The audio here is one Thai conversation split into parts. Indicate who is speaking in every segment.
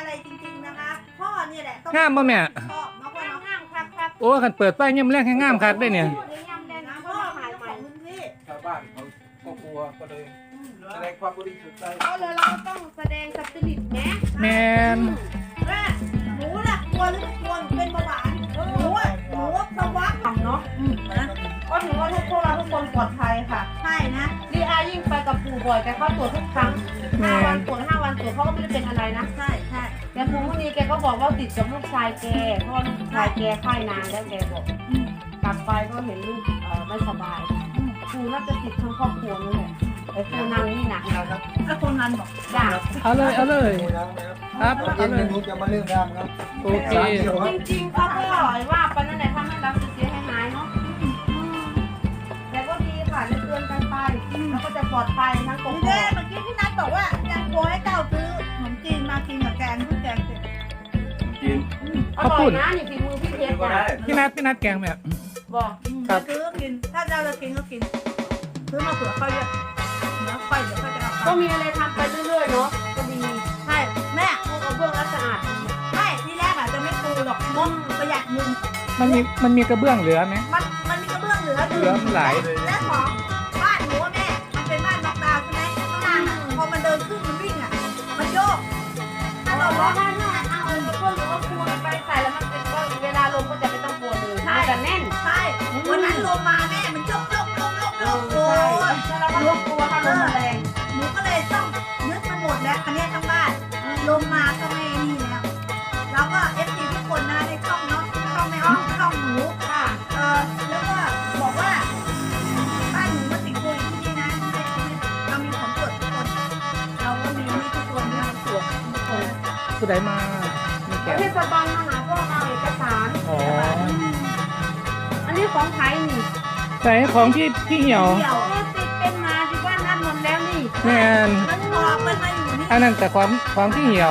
Speaker 1: อะไรจริงๆนะคะพ่อเนี่ยแหละต้อง
Speaker 2: งามบ่แม่
Speaker 1: ชอบเนาะพ่อเนาะ
Speaker 3: งามครับ
Speaker 2: โอ้คันเปิดไฟย่ำแรกให้งามคักได้เนี่ย
Speaker 3: พูดได้ยำได้นะ
Speaker 1: พ่
Speaker 3: พ่
Speaker 1: อ
Speaker 3: อ
Speaker 1: เป็
Speaker 3: ถ่าน ย
Speaker 1: เจ้า
Speaker 3: ให
Speaker 1: ข
Speaker 3: ม่
Speaker 1: องพื้นที่
Speaker 4: ชาวบ้านเขาก็กลัวก็เลยแสดงความบริสุทธิ์ใจ
Speaker 3: เอาเลยเราก็ต้องแสดงสปิริตแหม
Speaker 2: แมน
Speaker 1: แม่หนูน่ะกลัวหรือไม่กลัวหนูเป็นเบาหวานหนูอะหนูสวะ
Speaker 3: ทำเนาะ
Speaker 1: นะ
Speaker 3: ก็ถือว่าพวกเราทุกคนปลอดภัยค่ะ
Speaker 1: ใช่นะ
Speaker 3: ดีอายิ่งไปกับปู่บ่อยแกเข้าตรวจทุกครั้ง5 วันตรวจ5 วันตรวจเขาก็ไม่ได้เป็นอะไรนะ
Speaker 1: ใช่ใช่
Speaker 3: แต่ปู่คนนี้แกก็บอกว่าติดกับลูกชายแกเพราะว่าลูกชายแกไข้นานแล้วแกบอก
Speaker 1: อืม
Speaker 3: กลับไปก็เห็นลูกไม่สบายปู่น่าจะติดทั้งครอบครัวนั่นแหละแต่ปู่นางนี่หนักนะครับ
Speaker 1: ถ้าคนนั้นบอก
Speaker 3: จ้า
Speaker 2: เอาเลยเอาเลย ครับ
Speaker 4: ตอนเย็
Speaker 2: เอา
Speaker 4: น
Speaker 2: เลย
Speaker 4: หนูจะมาเรื่องรำครับ
Speaker 2: โอเค
Speaker 3: จริงๆเขาก็ว่าไปนั่นแหละทำให้เราเสียหายเนาะแต่ก็ดีค่ะได้เตือนกันไปแล้วก็จะปลอดภัยทั้งก
Speaker 1: นี่
Speaker 3: บ
Speaker 1: แน่เมื่อกี้พี่นัทบอกว่ายังกลัวให้เจ้าซื้อขนมจีนมากินกับแกงเพื่อแกงเสร็จ
Speaker 4: กิน
Speaker 3: อร่อยนะนี่ฝีมือพี่เพชร
Speaker 4: ก็ได้
Speaker 3: นะ
Speaker 2: พี่นัดแกงแบบ
Speaker 3: บอก
Speaker 2: ครับ
Speaker 1: ซื้อกินถ้าเจ้าจะกินก็กินซื้อมาเผื่อเขาเยอะแล้วค่อยเดี๋ยวเขาจะเอา
Speaker 3: ก็
Speaker 1: ไป
Speaker 3: มีอะไรทำไปเรื่อยๆเนาะก็ดี
Speaker 1: ใช่แม่
Speaker 3: พวกกระเบื้องแล้วสะอาด
Speaker 1: ไม่ที่แรกอาจจะไม่ปูหรอกงบประหยัดเงิน
Speaker 2: มันมีกระเบื้องเหลือไหม
Speaker 1: มันมีกระเบื้องเหลือ
Speaker 2: เหลือมันหลาย
Speaker 1: และของบ้านหนูอะแม่มันเป็นบ้านน็อกดาวน์ใช่ไหมข้างล่างอะพอมันเดินขึ้นมันวิ่งอ่ะมันโยกถ้าเราล็อก
Speaker 3: ถ้าเอาพวกหรือว่าคูณไปใส่แล้วมันเป็นก็เวลาลงก็จะไม่ต้องกลัวเลยมันจะแน่น
Speaker 1: ใช่วันนั้นลมมาแม่มันโยกโยกโยกโยกโยกโอ้ย
Speaker 3: แล้วเราก็ลงกลัวถ้าลมแรง
Speaker 1: หนูก็เลยต้องนึกมันหมดแล้วคันนี้ทั้งบ้านลมมาก็ไม่นี่แล้วเราก็เอฟซีทุกคนนะในช่องเนาะช่องไม่อ้อมช่องหนู
Speaker 3: ค่ะ
Speaker 1: แล้วก็บอกว่าบ้านหนูมาติดโควิดที่นี่นะเรามีของตรวจทุกคนเราก็มีให้ทุกคนนะตรวจทุกคน
Speaker 2: ผู้ใดมามีแกง
Speaker 3: เทศบาลมาหาพวกเราเอกสาร
Speaker 2: อ๋อ
Speaker 3: อันนี้ของไทยนี่
Speaker 2: ใส่ของพี่เหี่ยว
Speaker 1: เดี่ยว
Speaker 3: โอ้ติดเป็นมาที่บ้านนัดหมดแล้วนี่
Speaker 2: แมน
Speaker 1: มันออกมันมาอยู่นี่
Speaker 2: อันนั้นแต่ของพี่เหี่ยว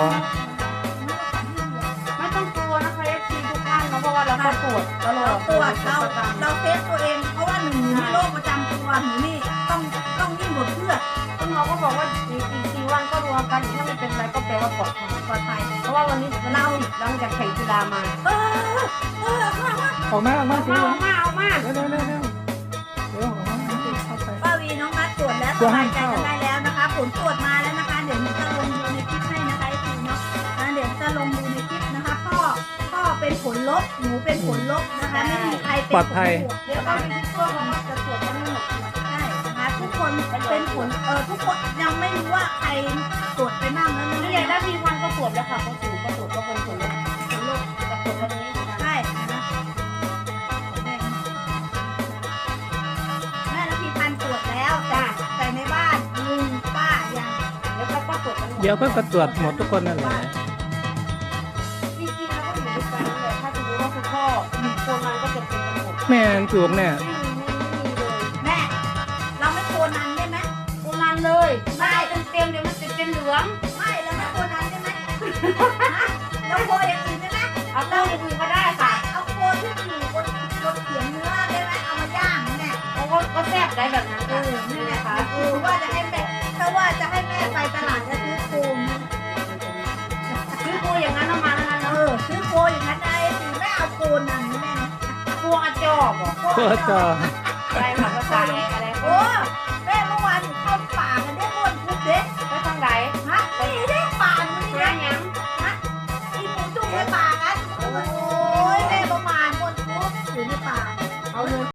Speaker 3: ไม่ต้องกลัวนะคะเอฟซีทุกท่านเนาะเพราะว่าเราก็ตรวจตลอ
Speaker 1: เรา
Speaker 3: ด
Speaker 1: ตรวจเราเทสตัวเองเพราะว่าหนูมีโรคประจำตัวหนูนี่ต้องยิ่งกว่าเพื่อน
Speaker 3: คุณหมอก็บอกว่าอีก4 วันก็รวมกันถ้าไม่เป็นไรก็แปลว่าปลอดภัย
Speaker 1: ปลอดภัย
Speaker 3: เพราะว่าวันนี้เราหลังจากแข่งกีฬามา
Speaker 1: เออมา
Speaker 2: ออกมาสิ
Speaker 3: เอามา
Speaker 2: เร็วเร็วเร็วเร็วเร็วออกมาเข้าไป
Speaker 1: ป้าวีน้องนัดตรวจแล้วสบายใจกันได้แล้วนะคะผลตรวจมาแล้วนะคะเดี๋ยวหนูจะลงดูในคลิปให้นะคะไอ้ทีเนาะเดี๋ยวจะลงดูในคลิปนะคะพ่อเป็นผลลบหนูเป็นผลลบนะคะไม่มีใครเป็นผลบวก
Speaker 3: เดี๋ยวก็มีทุกตัวของเราจะตรวจกันไม่หมด
Speaker 1: ใช่นะคะทุกคนเป็นผลทุกคนยังไม่รู้ว่าใครตรวจไปบ้างแล้ว
Speaker 3: นี่
Speaker 1: นี่
Speaker 3: ใหญ่ได้พีพันก็ตรวจแล้วค่ะก็สูงก็ตรวจก็เป็นผลลบจะตรวจวันนี้
Speaker 1: ใช่นะแม่แล้วพี่พันตรวจแล้วแต่ในบ้านลุงป้ายัง
Speaker 3: แล้วก็ตรวจกัน
Speaker 2: เดี๋ยวก็ตรวจหมดทุกคนนั่นแหละ
Speaker 3: จริงๆแล้วก็อยู่ด้วยกันนั่นแหละถ้าสมมติว่าคุณพ่อมีคนมันก็จะเป็นกันหมด
Speaker 2: แม่นถูกเนี่ย
Speaker 3: ไม่มีเลย
Speaker 1: แม่เราไม่โคนันได้ไหม
Speaker 3: คนนั้นเลยไม่เอาเต็มๆเดี๋ยวมันจะเป็นเหลือง
Speaker 1: ไม่เราไม่โคนันได้ไหมเราโคอย่างอื่นได้ไหม
Speaker 3: เอาเต้าอย่างอื่นก็ได้ค่ะ
Speaker 1: เอาโคที่อยู่บนเขียงเนื้อได้ไหมเอามาย่างเนี่ย
Speaker 3: เพราะว่าก็แซ่บได้แบบนั้นค่ะ
Speaker 1: นี่
Speaker 3: นี่
Speaker 1: แหละ
Speaker 3: นะคะ
Speaker 1: ว่าจะให้แม่ถ้าว่าจะให้แม่ไปตลาดจะซื้อโคม
Speaker 3: ซื้อตัวอย่างนั้นเอามาแล้วนั้น
Speaker 1: ซื้อโคอย่างนั้นได้สิแม่เอาโคนันแม่
Speaker 3: ตัวอาจอบอ่ะ
Speaker 2: ก็จะ
Speaker 3: อะไรค่ะภาษาอะไร
Speaker 1: โอ้แม่เมื่อวานเข้าป่ากันได้หมดทุกเด็ก
Speaker 3: ไปทางไหน
Speaker 1: ฮะนี่ได้ป่ามันนี่
Speaker 3: หา
Speaker 1: นะ
Speaker 3: ยัง
Speaker 1: ฮะอีหมูจุ่มในป่ากันโอ้ยแม่ประมาณหมดทุกอยู่ในป่า
Speaker 3: เอาเลย